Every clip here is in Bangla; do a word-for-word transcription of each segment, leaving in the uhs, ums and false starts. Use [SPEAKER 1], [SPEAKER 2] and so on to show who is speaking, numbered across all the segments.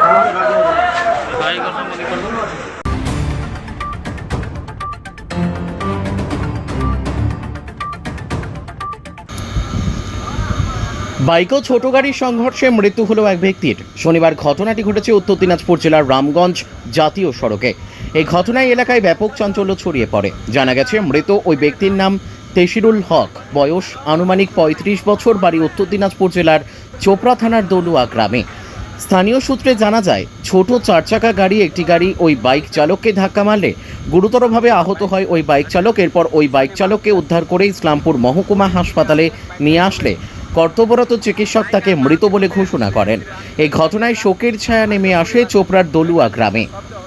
[SPEAKER 1] বাইক ও ছোট গাড়ির সংঘর্ষে মৃত্যু হলো এক ব্যক্তির। শনিবার ঘটনাটি ঘটেছে উত্তর দিনাজপুর জেলার রামগঞ্জ জাতীয় সড়কে। এই ঘটনায় এলাকায় ব্যাপক চাঞ্চল্য ছড়িয়ে পড়ে। জানা গেছে মৃত ওই ব্যক্তির নাম তেশিরুল হক, বয়স আনুমানিক পঁয়ত্রিশ বছর, বাড়ি উত্তর দিনাজপুর জেলার চোপড়া থানার দলুয়া গ্রামে। স্থানীয় সূত্রে জানা যায়, ছোট চার চাকা গাড়ি একটি গাড়ি ওই বাইক চালককে ধাক্কা মারলে গুরুতরভাবে আহত হয় ওই বাইক চালক। এরপর ওই বাইক চালককে উদ্ধার করে ইসলামপুর মহকুমা হাসপাতালে নিয়ে আসলে কর্তব্যরত চিকিৎসক তাকে মৃত বলে ঘোষণা করেন। এই ঘটনায় শোকের ছায়া নেমে আসে চোপড়ার দলুয়া গ্রামে।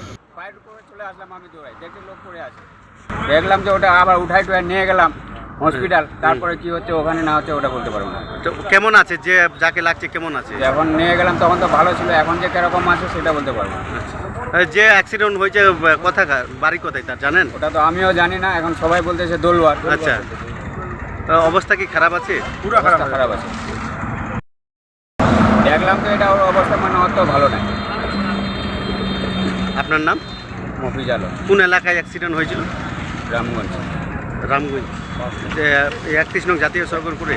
[SPEAKER 2] দেখলাম যে ওটা আবার উঠাই টুয়াই নিয়ে গেলাম হসপিটাল, তারপরে কি হচ্ছে ওখানে না হচ্ছে ওটা বলতে পারবো না।
[SPEAKER 3] তো কেমন আছে, যে যাকে লাগছে কেমন আছে?
[SPEAKER 2] যখন নিয়ে গেলাম তখন তো ভালো ছিল, এখন যে কিরকম আছে সেটা বলতে পারবো না।
[SPEAKER 3] যে অ্যাক্সিডেন্ট হয়েছে কোথা বাড়ি কোথায় তার জানেন?
[SPEAKER 2] ওটা তো আমিও জানি না, এখন সবাই বলতেছে দলুয়া।
[SPEAKER 3] আচ্ছা, অবস্থা কি খারাপ আছে?
[SPEAKER 2] পুরো খারাপ খারাপ আছে। দেখলাম তো এটা ওর অবস্থা মানে অত ভালো নাই।
[SPEAKER 3] আপনার নাম?
[SPEAKER 2] মফিজ আলম।
[SPEAKER 3] কোন এলাকায় অ্যাক্সিডেন্ট হয়েছিল?
[SPEAKER 2] রামগঞ্জ।
[SPEAKER 3] রামগঞ্জ একত্রিশ নং জাতীয় সড়কের উপরে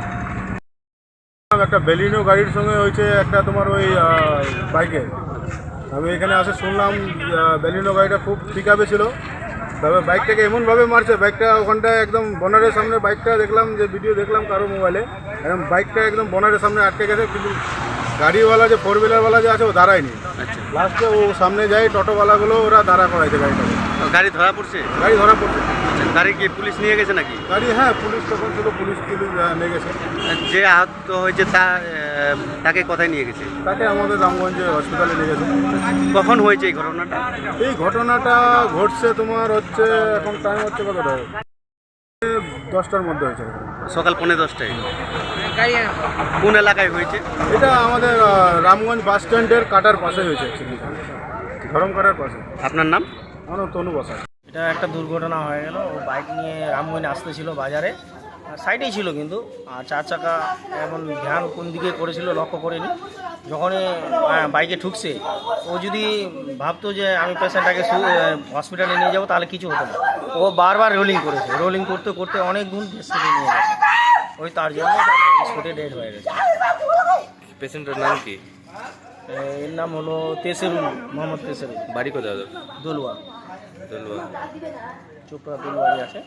[SPEAKER 4] একটা বেলিনো গাড়ির সঙ্গে হয়েছে একটা তোমার ওই বাইকে। আমি এখানে আসে শুনলাম বেলিনো গাড়িটা খুব পিক আপে ছিল, তবে বাইকটাকে এমনভাবে মারছে, বাইকটা ওখানটায় একদম বনারের সামনে, বাইকটা দেখলাম যে ভিডিও দেখলাম কারো মোবাইলে, একদম বাইকটা একদম বনারের সামনে আটকে গেছে, কিন্তু গাড়িওয়ালা যে ফোর হুইলারওয়ালা যে আছে ও দাঁড়ায়নি। লাস্টে ও সামনে যায়, টোটোওয়ালাগুলো ওরা দাঁড়া করাইছে গাড়িটাকে।
[SPEAKER 3] গাড়ি ধরা পড়ছে?
[SPEAKER 4] গাড়ি ধরা পড়ছে।
[SPEAKER 3] গাড়ি কি পুলিশ নিয়ে গেছে নাকি?
[SPEAKER 4] গাড়ি হ্যাঁ, পুলিশ তখন ছিল, পুলিশ পুলিশ নিয়ে গেছে।
[SPEAKER 3] যে আহত হয়েছে তা তাকে কোথায় নিয়ে গেছে?
[SPEAKER 4] তাকে আমাদের রামগঞ্জে হসপিটালে নিয়ে গেছে।
[SPEAKER 3] কখন হয়েছে এই ঘটনাটা?
[SPEAKER 4] এই ঘটনাটা ঘটছে তোমার হচ্ছে, এখন টাইম হচ্ছে কতটা, দশটার মধ্যে হয়েছে,
[SPEAKER 3] সকাল পৌনে দশটায়। কোন এলাকায় হয়েছে?
[SPEAKER 4] এটা আমাদের রামগঞ্জ বাস স্ট্যান্ডের কাটার পাশে হয়েছে, ধরম কাটার পাশে।
[SPEAKER 3] আপনার নাম?
[SPEAKER 4] আমার নাম তনু বসা।
[SPEAKER 5] এটা একটা দুর্ঘটনা হয়ে গেল। ও বাইক নিয়ে রামগঞ্জ আসতেছিল বাজারে, সাইডেই ছিল কিন্তু, আর চার চাকা এমন ধ্যান কোন দিকে করেছিল লক্ষ্য করেনি। যখনই বাইকে ঠুকছে, ও যদি ভাবতো যে আমি পেশেন্টটাকে হসপিটালে নিয়ে যাবো তাহলে কিছু হতো না, ও বারবার রোলিং করেছে। রোলিং করতে করতে অনেক গুণ স্পিডে নিয়ে গেছে, ওই তার জন্য স্পটে ডেড হয়ে গেছে।
[SPEAKER 6] পেশেন্টের নাম কি?
[SPEAKER 5] এর নাম হলো তেসেরুল, মোহাম্মদ তেসেরুল।
[SPEAKER 6] বাড়ি কোথায়?
[SPEAKER 5] দলুয়া।
[SPEAKER 6] দলুয়া
[SPEAKER 5] চোপড়া দলুয়ারি আছে।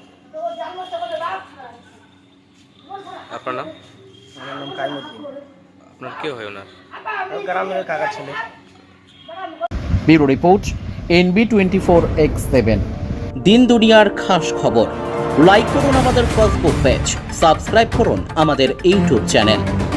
[SPEAKER 6] আপনার নাম?
[SPEAKER 5] আমার নাম কাইমুদ্দিন।
[SPEAKER 6] আপনার কে হয় ওনার?
[SPEAKER 5] গ্রামের কাকার ছেলে।
[SPEAKER 1] Bureau report, NB twenty four X seven. দিন দুনিয়ার খাস খবর। লাইক করুন আমাদের ফেসবুক পেজ, সাবস্ক্রাইব করুন আমাদের ইউটিউব চ্যানেল।